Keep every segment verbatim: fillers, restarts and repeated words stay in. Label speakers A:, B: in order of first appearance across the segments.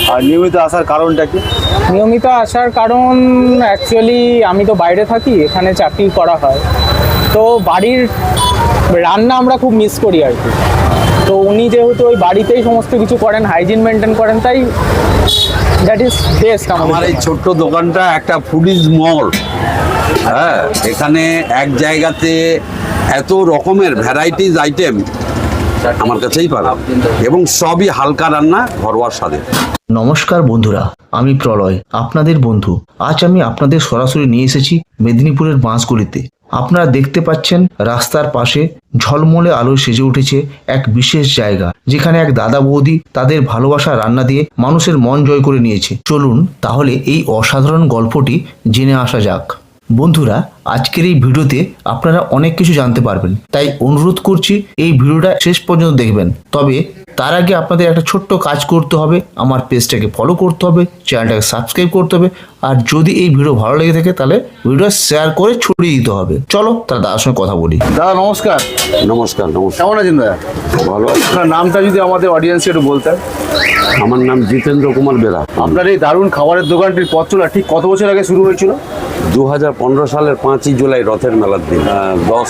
A: আর নিয়মিত আসার কারণটা কি?
B: নিয়মিত আসার কারণ অ্যাকচুয়ালি আমি তো বাইরে থাকি, এখানে চাকরি করা হয়, তো বাড়ির রান্না আমরা খুব মিস করি আর কি। তো উনি যেহেতু ওই বাড়িতেই সমস্ত কিছু করেন, হাইজিন মেনটেন করেন, তাই দ্যাট ইজ বেস্ট।
C: আমার এই ছোট্ট দোকানটা একটা ফুডিজ মল। হ্যাঁ, এখানে এক জায়গাতে এত রকমের ভ্যারাইটিস আইটেম আমার কাছেই পাওয়া, এবং সবই হালকা রান্না, ঘরোয়া স্বাদে।
D: নমস্কার বন্ধুরা, আমি প্রলয়, আপনাদের বন্ধু। আজ আমি আপনাদের সরাসরি নিয়ে এসেছি মেদিনীপুরের বাঁশগুলিতে। আপনারা দেখতে পাচ্ছেন রাস্তার পাশে ঝলমলে আলোয় সেজে উঠেছে এক বিশেষ জায়গা, যেখানে এক দাদা বৌদি তাদের ভালোবাসা রান্না দিয়ে মানুষের মন জয় করে নিয়েছে। চলুন তাহলে এই অসাধারণ গল্পটি জেনে আসা যাক। বন্ধুরা, আজকের এই ভিডিওতে আপনারা অনেক কিছু জানতে পারবেন, তাই অনুরোধ করছি এই ভিডিওটা শেষ পর্যন্ত দেখবেন। তবে তার আগে আপনাদের একটা ছোট্ট কাজ করতে হবে, আমার পেজটাকে ফলো করতে হবে, চ্যানেলটাকে সাবস্ক্রাইব করতে হবে, আর যদি এই ভিডিও ভালো লেগে থাকে তাহলে ভিডিও শেয়ার করে ছড়িয়ে দিতে হবে। চলো তাহলে দাদার সঙ্গে কথা বলি।
A: দাদা নমস্কার।
C: নমস্কার। নমস্কার।
A: কেমন আছেন দাদা?
C: ভালো আছি।
A: আপনার নামটা যদি আমাদের অডিয়েন্সকে একটু বলতেন।
C: আমার নাম জিতেন্দ্র কুমার বেরা।
A: আপনার এই দারুণ খাবারের দোকানটির পথ চলা ঠিক কত বছর আগে শুরু হয়েছিল?
C: দু হাজার পনেরো সালের পাঁচই জুলাই রথের মেলার দিন। দশ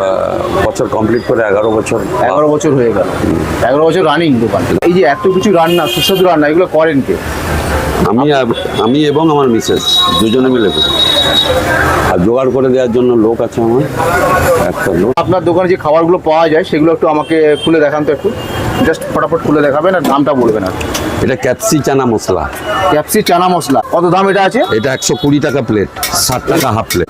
C: বছর কমপ্লিট করে এগারো বছর
A: এগারো বছর হয়ে গেল। এগারো বছর রানিং দোকান। এই যে এত কিছু রান্না, সুস্বাদু রান্না, এগুলো করেন কে?
C: আমি আমি এবং আমার মিসেস দুজনে মিলে করি। আর জোগাড় করে দেওয়ার জন্য লোক আছে আমার একটা লোক।
A: আপনার দোকানে যে খাবারগুলো পাওয়া যায় সেগুলো একটু আমাকে খুলে দেখান তো, একটু জাস্ট ফটাফট খুলে দেখাবেন আর দামটা বলবেন। আর
C: এটা ক্যাপসি চানা মশলা।
A: ক্যাপসি চানা মশলা কত দাম এটা আছে?
C: এটা একশো কুড়ি টাকা প্লেট, ষাট টাকা হাফ প্লেট।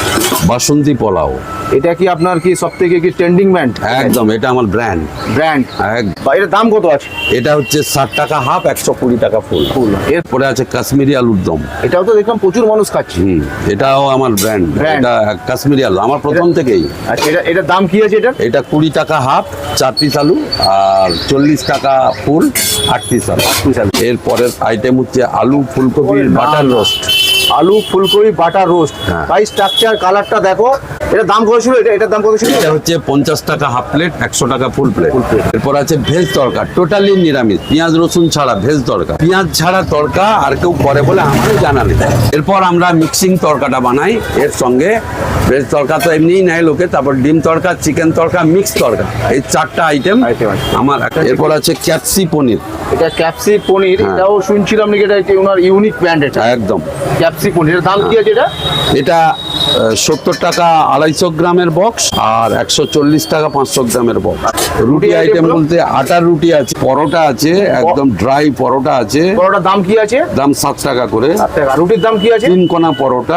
C: বাসন্তী পোলাও,
A: এটা কি আপনার কি সব থেকে কি ট্রেন্ডিং ব্র্যান্ড?
C: একদম, এটা আমার ব্র্যান্ড
A: ব্র্যান্ড। বা এটার দাম কত আছে?
C: এটা হচ্ছে ষাট টাকা হাফ, একশো কুড়ি টাকা ফুল।
A: ফুল।
C: এরপরে আছে কাশ্মীরি আলুর দম।
A: এটাও তো দেখলাম প্রচুর মানুষ খাচ্ছে।
C: হুম, এটাও আমার ব্র্যান্ড।
A: Brand।
C: এটা কাশ্মীরি আলু আমার প্রথম থেকেই।
A: আচ্ছা, এটা এটার দাম কি আছে? এটা
C: এটা কুড়ি টাকা হাফ, চার পিস আলু, আর চল্লিশ টাকা ফুল, আট পিস আলু। এর পরের আইটেম হচ্ছে আলু ফুলকপির বাটার রোস্ট।
A: আলু ফুলকপি বাটার রোস্ট।
C: হ্যাঁ।
A: ভাই স্ট্রাকচার কালারটা দেখো। এটা দাম কত ছিল? এটা এটার দাম কত ছিল?
C: এটা হচ্ছে পঞ্চাশ টাকা হাফ প্লেট, একশো টাকা ফুল প্লেট। এরপর আছে ভেজ তড়কা, টোটালি নিরামিষ, পেঁয়াজ রসুন ছাড়া ভেজ তড়কা। পেঁয়াজ ছাড়া তড়কা আর কেউ করে বলে আমারও জানা নেই। এরপর আমরা মিক্সিং তড়কাটা বানাই, এর সঙ্গে ভেজ তড়কা তো এমনিই নেয় লোকে, তারপর ডিম তড়কা, চিকেন তড়কা, মিক্স তড়কা, এই চারটা আইটেম আমার। এরপর আছে ক্যাপসি পনির।
A: এটা ক্যাপসি পনির।
C: হ্যাঁ।
A: এটাও শুনছিলাম নাকি এটা একটি ওনার ইউনিক ব্র্যান্ড। এটা
C: একদম
A: ক্যাপসি পনিরের দাম কি আছে এটা?
C: এটা সত্তর টাকা আড়াইশো গ্রামের বক্স, আর একশো চল্লিশ টাকা পাঁচশো গ্রামের বক্স। রুটি আইটেম বলতে আটার রুটি আছে, পরোটা আছে, একদম ড্রাই পরোটা আছে।
A: পরোটার দাম কি আছে?
C: দাম সাত টাকা করে।
A: রুটির দাম কি আছে?
C: তিন কোনা পরোটা,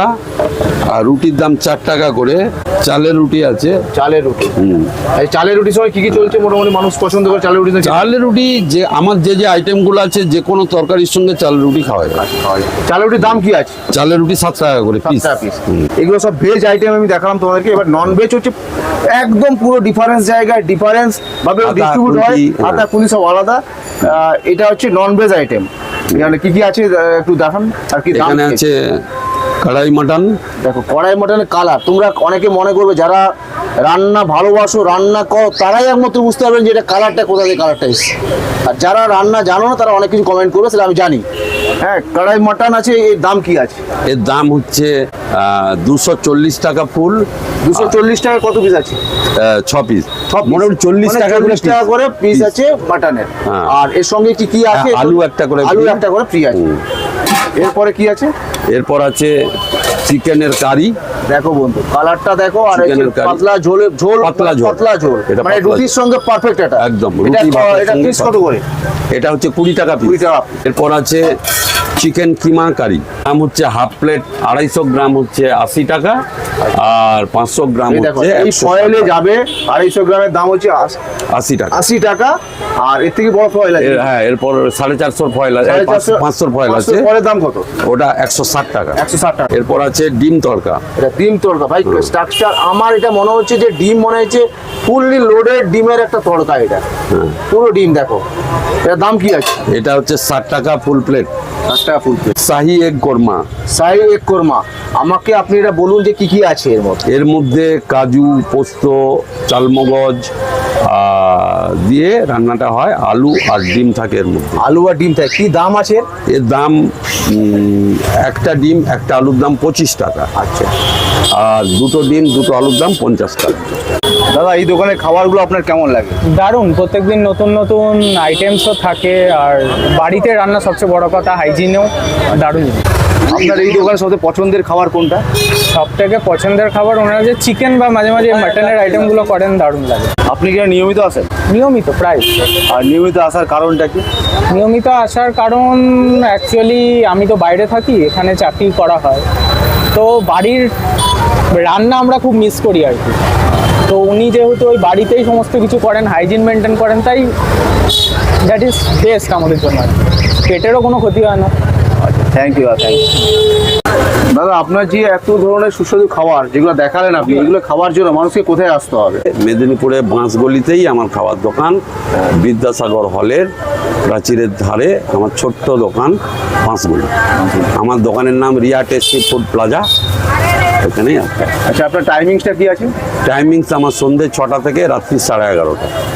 C: আর রুটির দাম চার টাকা করে। চালের রুটি আছে।
A: চালের রুটি।
C: হুম,
A: এই চালের রুটির সময় কি কি চলছে? মোটামুটি মানুষ পছন্দ করে চালের রুটি।
C: চালের রুটি যে আমার যে যে আইটেমগুলো আছে, যে কোনো তরকারির সঙ্গে চালের রুটি খাওয়া যায়।
A: চালের রুটির দাম কি আছে?
C: চালের রুটি সাত টাকা করে পিস।
A: এগুলো সব ভেজ আইটেম আমি দেখালাম তোমাদেরকে। এবার নন ভেজ হচ্ছে একদম পুরো ডিফারেন্স জায়গায়, ডিফারেন্স ভাবে ডিস্ট্রিবিউট হয়। আটা কুলি সব আলাদা। এটা হচ্ছে নন ভেজ আইটেম। এখানে কি কি আছে একটু দেখান। আর কি দাম?
C: এখানে আছে কড়াই মাটন।
A: দেখো কড়াই মাটনের কালার। তোমরা অনেকে মনে করবে যারা রান্না ভালোবাসো, রান্না কর, তারাই একমাত্র বুঝতে পারবেন যে এটা কালারটা কোথা থেকে কালারটা এসছে। আর যারা রান্না জানো না তারা অনেক কিছু কমেন্ট করবে, সেটা আমি জানি। হ্যাঁ, কড়াই মাটন আছে। এর দাম কি আছে?
C: এর দাম হচ্ছে দুশো চল্লিশ টাকা ফুল।
A: দুশো চল্লিশ টাকা কত পিস আছে?
C: ছ পিস, মোটামুটি চল্লিশ টাকা করে
A: টাকা করে পিস আছে মাটনের।
C: হ্যাঁ।
A: আর এর সঙ্গে কি কি আছে?
C: আলু একটা করে,
A: আলু একটা করে ফ্রি আছে। এরপরে কি আছে?
C: এরপর আছে চিকেনের কারি।
A: দেখো বন্ধু, কালারটা দেখো। আর
C: চিকেনের কারি।
A: পাতলা ঝোল, ঝোল
C: পাতলা ঝোল।
A: পাতলা ঝোল,
C: এটা
A: মানে
C: পাতলা
A: রুটির
C: ঝোল।
A: সঙ্গে পারফেক্ট। এটা
C: একদম
A: এটা
C: রুটি ভাতের
A: এটা
C: সঙ্গে
A: পিস কত করে?
C: এটা হচ্ছে কুড়ি টাকা পিস।
A: কুড়ি টাকা।
C: এরপর আছে চিকেন কিমা কারি। দাম হচ্ছে হাফ প্লেট আড়াইশো গ্রাম হচ্ছে আশি টাকা, আর পাঁচশো গ্রাম
A: এই দেখো,
C: হচ্ছে
A: এই ফয়েলে যাবে। আড়াইশো গ্রামের দাম হচ্ছে আশ-
C: আশি টাকা।
A: আশি টাকা। আর এর থেকে বড় ফয়েল আছে।
C: এর- হ্যাঁ, এরপর সাড়ে চারশোর ফয়েল আছে,
A: সাড়ে চারশো-
C: পাঁচশোর ফয়েল আছে।
A: পাঁচশোর ফয়েলের দাম কত?
C: ওটা একশো ষাট টাকা।
A: একশো ষাট টাকা।
C: এরপর আছে ডিম তড়কা।
A: এটা ডিম তড়কা। ভাই স্ট্রাকচার আমার এটা মনে হচ্ছে যে ডিম মনে হচ্ছে ফুললি লোডেড ডিমের একটা তড়কা। এটা পুরো ডিম। দেখো এটার দাম কি আছে?
C: এটা হচ্ছে ষাট টাকা ফুল প্লেট।
A: ষাট টাকা ফুল প্লেট।
C: শাহি এগ কোরমা।
A: শাহি এগ কোরমা। আমাকে আপনি এটা বলুন যে কি কি আছে এর মধ্যে?
C: এর মধ্যে কাজু, পোস্ত, চালমগজ, আর আহ, দিয়ে রান্নাটা হয়, আলু আর ডিম থাকে এর মধ্যে।
A: আলু আর ডিম থাকে, কি দাম আছে?
C: এর দাম উম, একটা ডিম একটা আলুর দাম পঁচিশ টাকা,
A: আচ্ছা
C: আর দুটো ডিম দুটো আলুর দাম পঞ্চাশ টাকা।
A: দাদা, এই দোকানের খাবারগুলো আপনার কেমন লাগে?
B: দারুণ, প্রত্যেকদিন নতুন নতুন আইটেমসও থাকে, আর বাড়িতে রান্না সবচেয়ে বড় কথা, হাইজিনেও দারুণ।
A: আপনার এই দোকানের সবচেয়ে পছন্দের খাবার কোনটা?
B: সব থেকে পছন্দের খাবার ওনারা যে চিকেন বা মাঝে মাঝে মাটনের আইটেমগুলো করেন, দারুণ লাগে।
A: আপনি কি নিয়মিত আসেন?
B: নিয়মিত প্রায়।
A: আর নিয়মিত আসার কারণটা কি?
B: নিয়মিত আসার কারণ অ্যাকচুয়ালি আমি তো বাইরে থাকি, এখানে চাকরি করা হয়, তো বাড়ির রান্না আমরা খুব মিস করি আর কি। তো উনি যেহেতু ওই বাড়িতেই সমস্ত কিছু করেন, হাইজিন মেনটেন করেন, তাই দ্যাট ইজ বেস্ট আমাদের জন্য আর কি। পেটেরও কোনো ক্ষতি হয় না।
A: থ্যাংক ইউ থ্যাংক ইউ দাদা, আপনার যে এত ধরনের সুস্বাদু খাবার যেগুলো দেখালেন আপনি, এগুলো খাওয়ার জন্য মানুষকে কোথায় আসতে হবে?
C: মেদিনীপুরে বাঁশগলিতেই আমার খাওয়ার দোকান, বিদ্যাসাগর হলের প্রাচীরের ধারে আমার ছোট্ট দোকান বাঁশগলি। আমার দোকানের নাম রিয়া টেস্টি ফুড প্লাজা, এখানেই আছে।
A: আচ্ছা, আপনার টাইমিংসটা কি আছে?
C: টাইমিংস আমার সন্ধ্যে ছটা থেকে রাত্রি সাড়ে এগারোটা।